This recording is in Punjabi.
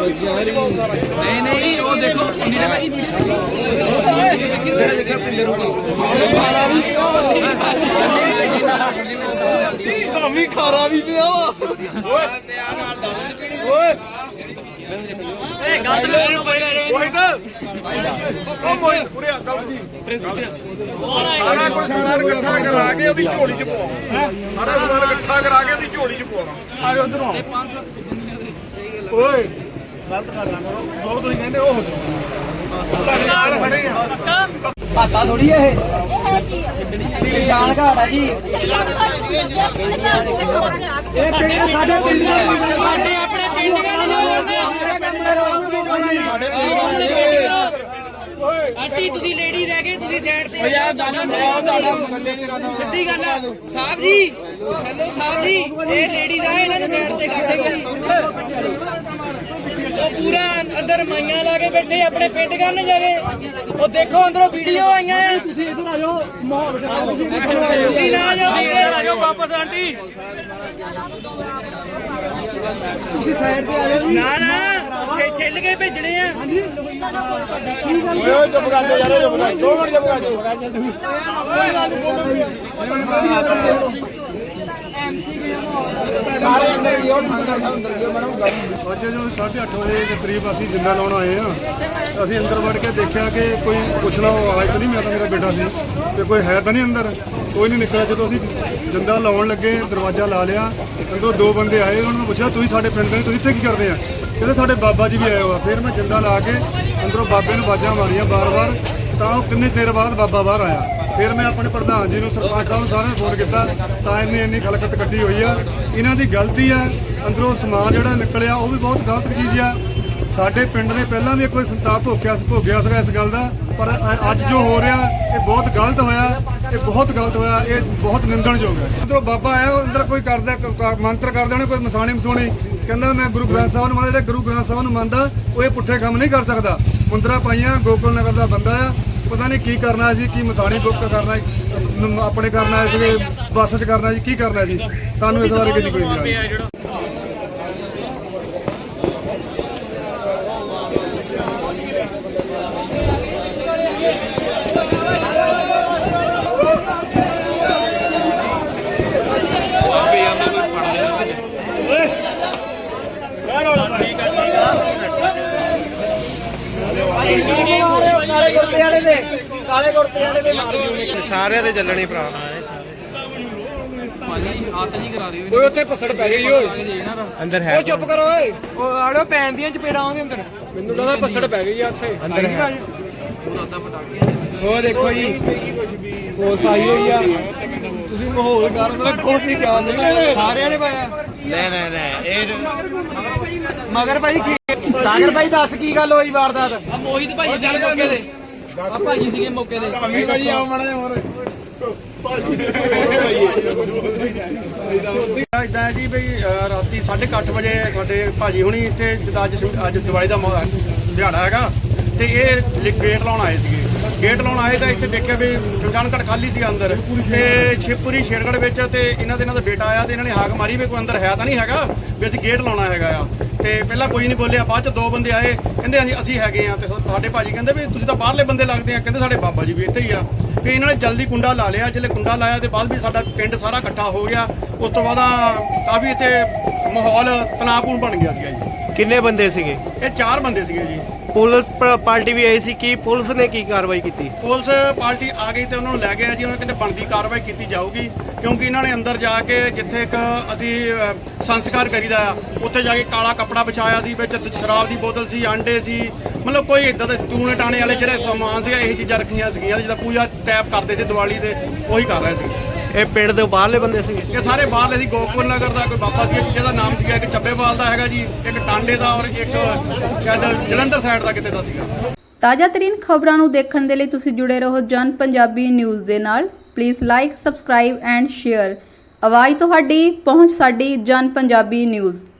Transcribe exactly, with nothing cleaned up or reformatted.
नहीं नहीं वो देखो नीले भाई भी खारा भी पिया सारा कुछ समान इकट्ठा करा के ਉਹਦੀ ਝੋਲੀ ਚ ਪਵਾ ਸਾਰਾ ਸਮਾਨ ਇਕੱਠਾ ਕਰਾ ਕੇ ਉਹਦੀ ਝੋਲੀ ਚ ਪਵਾਉਣਾ ਆਏ ਉਧਰੋਂ ਓਏ ਗਲਤ ਕਰ ਲਾਂ ਕਰੋ ਉਹ ਤੁਸੀਂ ਕਹਿੰਦੇ ਉਹ ਨਾਲ ਖੜੇ ਆ ਹਾਤਾ ਥੋੜੀ ਇਹ ਇਹ ਜਾਣ ਘਾਟ ਆ ਜੀ ਇਹ ਪਿੰਡ ਸਾਡੇ ਪਿੰਡ ਦੇ ਸਾਡੇ ਆਪਣੇ ਪਿੰਡੀਆਂ ਨੂੰ ਆਂਟੀ ਤੁਸੀਂ ਲੇਡੀ ਰਹਿ ਗਏ ਤੁਸੀਂ ਸਾਈਡ ਤੇ ਯਾਰ ਦਾਦਾ ਸਿੱਧੀ ਗੱਲ ਆ ਸਾਹਿਬ ਜੀ ਹੈਲੋ ਸਾਹਿਬ ਜੀ ਇਹ ਲੇਡੀਜ਼ ਆ ਇਹਨਾਂ ਨੂੰ ਸਾਈਡ ਤੇ ਕਰ ਦੇਗੇ ਉਹ ਪੂਰਾ ਅੰਦਰ ਮਾਈਆਂ ਲਾ ਕੇ ਬੈਠੇ ਆਪਣੇ ਪਿੰਡ ਕਰਨ ਜਾਵੇ ਉਹ ਦੇਖੋ ਅੰਦਰੋਂ ਵੀਡੀਓ ਆਈਆਂ ਆ ਤੁਸੀਂ ਇੱਧਰ ਆ ਜਾਓ ਮਾਹੌਲ ਖਰਾਬ ਤੁਸੀਂ ਤੁਸੀਂ ਨਾ ਜਾਓ ਆ ਜਾਓ ਵਾਪਸ ਆਂਟੀ ਤੁਸੀਂ ਸਾਈਡ ਤੇ ਆ ਜਾਓ ਨਾ ਨਾ ਛੇ ਛਿੱਲ ਕੇ ਭੇਜਣੇ ਆ ਓਏ ਚੁੱਪ ਕਰ ਜਾ ਯਾਰ ਚੁੱਪ ਕਰ ਦੋ ਮਿੰਟ ਚੁੱਪ ਕਰ ਜਾ ਸਾਰੇ ਅੰਦਰ ਗਿਓ ਅੰਦਰ ਅੰਦਰ ਗਿਓ ਮੈਡਮ ਅੱਜ ਜੋ ਸਾਢੇ ਅੱਠ ਵਜੇ ਦੇ ਕਰੀਬ ਅਸੀਂ ਜਿੰਦਾ ਲਾਉਣ ਆਏ ਆ ਅਸੀਂ ਅੰਦਰ ਵੜ ਕੇ ਦੇਖਿਆ ਕਿ ਕੋਈ ਪੁੱਛਣਾ ਆਵਾਜ਼ ਤਾਂ ਨਹੀਂ ਮੈਂ ਤਾਂ ਮੇਰਾ ਬੇਟਾ ਸੀ ਤੇ ਕੋਈ ਹੈ ਤਾਂ ਨਹੀਂ ਅੰਦਰ ਕੋਈ ਨਹੀਂ ਨਿਕਲਿਆ ਜਦੋਂ ਅਸੀਂ ਜਿੰਦਾ ਲਾਉਣ ਲੱਗੇ ਦਰਵਾਜ਼ਾ ਲਾ ਲਿਆ ਅੰਦਰੋਂ ਦੋ ਬੰਦੇ ਆਏ ਉਹਨਾਂ ਨੂੰ ਪੁੱਛਿਆ ਤੁਸੀਂ ਸਾਡੇ ਪਿੰਡ ਦੇ ਤੁਸੀਂ ਇੱਥੇ ਕੀ ਕਰਦੇ ਆ ਕਹਿੰਦੇ ਸਾਡੇ ਬਾਬਾ ਜੀ ਵੀ ਆਏ ਹੋਆ ਫਿਰ ਮੈਂ ਜਿੰਦਾ ਲਾ ਕੇ ਅੰਦਰੋਂ ਬਾਬੇ ਨੂੰ ਆਵਾਜ਼ਾਂ ਮਾਰੀਆਂ ਬਾਰ-ਬਾਰ ਤਾਂ ਉਹ ਕਿੰਨੇ ਦੇਰ ਬਾਅਦ ਬਾਬਾ ਬਾਹਰ ਆਇਆ ਫਿਰ ਮੈਂ ਆਪਣੇ ਪ੍ਰਧਾਨ ਜੀ ਨੂੰ ਸਰਪੰਚ ਸਾਹਿਬ ਨੂੰ ਸਾਰਿਆਂ ਨੂੰ ਫੋਨ ਕੀਤਾ ਤਾਂ ਇੰਨੀ ਇੰਨੀ ਖਲਕਤ ਕੱਢੀ ਹੋਈ ਆ ਇਹਨਾਂ ਦੀ ਗਲਤੀ ਆ ਅੰਦਰੋਂ ਸਮਾਨ ਜਿਹੜਾ ਨਿਕਲਿਆ ਉਹ ਵੀ ਬਹੁਤ ਗਲਤ ਚੀਜ਼ ਆ ਸਾਡੇ ਪਿੰਡ ਨੇ ਪਹਿਲਾਂ ਵੀ ਕੋਈ ਸੰਤਾਪ ਭੋਗਿਆ ਭੋਗਿਆ ਸੀਗਾ ਇਸ ਗੱਲ ਦਾ ਪਰ ਅੱਜ ਜੋ ਹੋ ਰਿਹਾ ਇਹ ਬਹੁਤ ਗਲਤ ਹੋਇਆ ਇਹ ਬਹੁਤ ਗਲਤ ਹੋਇਆ ਇਹ ਬਹੁਤ ਨਿੰਦਣਯੋਗ ਹੈ ਅੰਦਰੋਂ ਬਾਬਾ ਆਇਆ ਉਹ ਅੰਦਰ ਕੋਈ ਕਰਦਾ ਮੰਤਰ ਕਰਦੇ ਹੋਣੇ ਕੋਈ ਮਸਾਣੀ ਮਸੂਣੀ ਕਹਿੰਦਾ ਮੈਂ ਗੁਰੂ ਗ੍ਰੰਥ ਸਾਹਿਬ ਨੂੰ ਮੰਨਦਾ ਜਿਹੜਾ ਗੁਰੂ ਗ੍ਰੰਥ ਸਾਹਿਬ ਨੂੰ ਮੰਨਦਾ ਉਹ ਇਹ ਪੁੱਠੇ ਕੰਮ ਨਹੀਂ ਕਰ ਸਕਦਾ ਮੁੰਦਰਾ ਪਾਈਆਂ ਗੋਕੁਲ ਨਗਰ ਦਾ ਬੰਦਾ ਆ ਪਤਾ ਨਹੀਂ ਕੀ ਕਰਨਾ ਸੀ ਕੀ ਮਸਾਣੀ ਬੁੱਕ ਕਰਨਾ ਆਪਣੇ ਕਰਨਾ ਸੀਗੇ ਬੱਸ 'ਚ ਕਰਨਾ ਜੀ ਕੀ ਕਰਨਾ ਜੀ ਸਾਨੂੰ ਇਸ ਬਾਰੇ ਕੁਝ ਕੋਈ ਨਹੀਂ ਕਾਲੇ ਕੁਰਤੇ ਵਾਲੇ ਦੇ ਮਾਰ ਸਾਰਿਆਂ ਦੇ ਚੱਲਣੇ ਭਰਾ ਭਾਜੀ ਆਤ ਜੀ ਕਰਾ ਦਿਓ ਓਏ ਉੱਥੇ ਪਸੜ ਪੈ ਗਈ ਓਏ ਅੰਦਰ ਹੈ ਓ ਚੁੱਪ ਕਰੋ ਓਏ ਓ ਆੜੋ ਪੈਣ ਦੀਆਂ ਚਪੇੜਾਂ ਉਹਦੇ ਅੰਦਰ ਮੈਨੂੰ ਲੱਗਦਾ ਪਸੜ ਪੈ ਗਈ ਆ ਉੱਥੇ ਅੰਦਰ ਹੈ ਉਹ ਦੇਖੋ ਜੀ ਕੋਸ ਆਈ ਹੋਈ ਆ ਤੁਸੀਂ ਮਾਹੌਲ ਕਰ ਮੇਰਾ ਖੋਸ ਨਹੀਂ ਜਾਣਦੇ ਸਾਰਿਆਂ ਨੇ ਪਾਇਆ ਨਹੀਂ ਨਹੀਂ ਨਹੀਂ ਇਹ ਮਗਰ ਭਾਈ ਕੀ ਸਾਗਰ ਭਾਈ ਦੱਸ ਕੀ ਗੱਲ ਹੋਈ ਵਾਰਦਾਤ ਆ ਮੋਹਿਤ ਭਾਜੀ ਸੀਗੇ ਮੌਕੇ ਤੇ ਆ ਭਾਜੀ ਸੀਗੇ ਮੌਕੇ ਤੇ ਭਾਈ ਭਾਈ ਆਓ ਮਾੜਾ ਜਿਹਾ ਹੋਰ ਇਦਾਂ ਜੀ ਬਈ ਰਾਤੀ ਸਾਢੇ ਕੁ ਅੱਠ ਵਜੇ ਸਾਡੇ ਭਾਜੀ ਹੁਣੀ ਇੱਥੇ ਜਿੱਦਾਂ ਅੱਜ ਅੱਜ ਦਿਵਾਲੀ ਦਾ ਦਿਹਾੜਾ ਹੈਗਾ ਤੇ ਇਹ ਗੇਟ ਲਾਉਣ ਆਏ ਸੀਗੇ ਗੇਟ ਲਾਉਣ ਆਏ ਤਾਂ ਇੱਥੇ ਦੇਖਿਆ ਵੀ ਸ਼ਮਸ਼ਾਨਘਾਟ ਖਾਲੀ ਸੀਗਾ ਅੰਦਰ ਤੇ ਸ਼ਿਵਪੁਰੀ ਸ਼ੇਰਗੜ੍ਹ ਵਿੱਚ ਤੇ ਇਹਨਾਂ ਦੇ ਇਹਨਾਂ ਦਾ ਬੇਟਾ ਆਇਆ ਤੇ ਇਹਨਾਂ ਨੇ ਹਾਕ ਮਾਰੀ ਵੀ ਕੋਈ ਅੰਦਰ ਹੈ ਤਾਂ ਨਹੀਂ ਹੈਗਾ ਵੀ ਅਸੀਂ ਗੇਟ ਲਾਉਣਾ ਹੈਗਾ ਆ ਤੇ ਪਹਿਲਾਂ ਕੋਈ ਨਹੀਂ ਬੋਲਿਆ ਬਾਅਦ ਚ ਦੋ ਬੰਦੇ ਆਏ ਕਹਿੰਦੇ ਅਸੀਂ ਅਸੀਂ ਹੈਗੇ ਆ ਤੇ ਸਾਡੇ ਭਾਜੀ ਕਹਿੰਦੇ ਵੀ ਤੁਸੀਂ ਤਾਂ ਬਾਹਰਲੇ ਬੰਦੇ ਲੱਗਦੇ ਆ ਕਹਿੰਦੇ ਸਾਡੇ ਬਾਬਾ ਜੀ ਵੀ ਇੱਥੇ ਹੀ ਆ ਵੀ ਇਹਨਾਂ ਨੇ ਜਲਦੀ ਕੁੰਡਾ ਲਾ ਲਿਆ ਜਿਹੜੇ ਕੁੰਡਾ ਲਾਇਆ ਤੇ ਬਾਅਦ ਵੀ ਸਾਡਾ ਪਿੰਡ ਸਾਰਾ ਇਕੱਠਾ ਹੋ ਗਿਆ ਉਸ ਤੋਂ ਬਾਅਦ ਕਾਫੀ ਇੱਥੇ ਮਾਹੌਲ ਤਣਾਅਪੂਰਨ ਬਣ ਗਿਆ ਸੀਗਾ ਜੀ ਕਿੰਨੇ ਬੰਦੇ ਸੀਗੇ ਇਹ ਚਾਰ ਬੰਦੇ ਸੀਗੇ ਜੀ ਪੁਲਿਸ ਪਾਰਟੀ ਵੀ ਆਈ ਸੀ ਕੀ ਪੁਲਿਸ ਨੇ ਕੀ ਕਾਰਵਾਈ ਕੀਤੀ ਪੁਲਿਸ ਪਾਰਟੀ ਆ ਗਈ ਤੇ ਉਹਨਾਂ ਨੂੰ ਲੈ ਗਏ ਜੀ ਉਹਨਾਂ ਕਹਿੰਦੇ ਬਣਦੀ ਕਾਰਵਾਈ ਕੀਤੀ ਜਾਊਗੀ ਕਿਉਂਕਿ ਇਹਨਾਂ ਨੇ ਅੰਦਰ ਜਾ ਕੇ ਜਿੱਥੇ ਇੱਕ ਅਸੀਂ ਸੰਸਕਾਰ ਕਰੀਦਾ ਆ ਉੱਥੇ ਜਾ ਕੇ ਕਾਲਾ ਕੱਪੜਾ ਵਿਛਾਇਆ ਸੀ ਵਿੱਚ ਸ਼ਰਾਬ ਦੀ ਬੋਤਲ ਸੀ ਆਂਡੇ ਸੀ ਮਤਲਬ ਕੋਈ ਇਦਾਂ ਦੇ ਟੂਣੇ ਟਾਣੇ ਵਾਲੇ ਜਿਹੜੇ ਸਮਾਨ ਸੀਗਾ ਇਹ ਚੀਜ਼ਾਂ ਰੱਖੀਆਂ ਸੀਗੀਆਂ ਜਿੱਦਾਂ ਪੂਜਾ ਟੈਪ ਕਰਦੇ ਸੀ ਦੀਵਾਲੀ ਦੇ ਉਹੀ ਕਰ ਰਹੇ ਸੀ ਇਹ ਪਿੰਡ ਦੇ ਬਾਹਰਲੇ ਬੰਦੇ ਸੀਗੇ ਇਹ ਸਾਰੇ ਬਾਹਰਲੇ ਸੀ ਗੋਕੁਲ ਨਗਰ ਦਾ ਕੋਈ ਬਾਬਾ ਸੀ ਜਿਹਦਾ ਨਾਮ ਸੀਗਾ ਇੱਕ ਚੱਬੇਵਾਲ ਦਾ ਹੈਗਾ ਜੀ ਇੱਕ ਟਾਂਡੇ ਦਾ ਔਰ ਇੱਕ ਸ਼ਾਇਦ ਜਲੰਧਰ ਸਾਈਡ ਦਾ ਕਿਤੇ ਦਾ ਸੀਗਾ ਤਾਜ਼ਾ ਤਰੀਨ ਖਬਰਾਂ ਨੂੰ ਦੇਖਣ ਦੇ ਲਈ ਤੁਸੀਂ ਜੁੜੇ ਰਹੋ ਜਨ ਪੰਜਾਬੀ ਨਿਊਜ਼ ਦੇ ਨਾਲ please like subscribe and share ਆਵਾਜ਼ ਤੁਹਾਡੀ ਪਹੁੰਚ ਸਾਡੀ ਜਨ ਪੰਜਾਬੀ ਨਿਊਜ਼।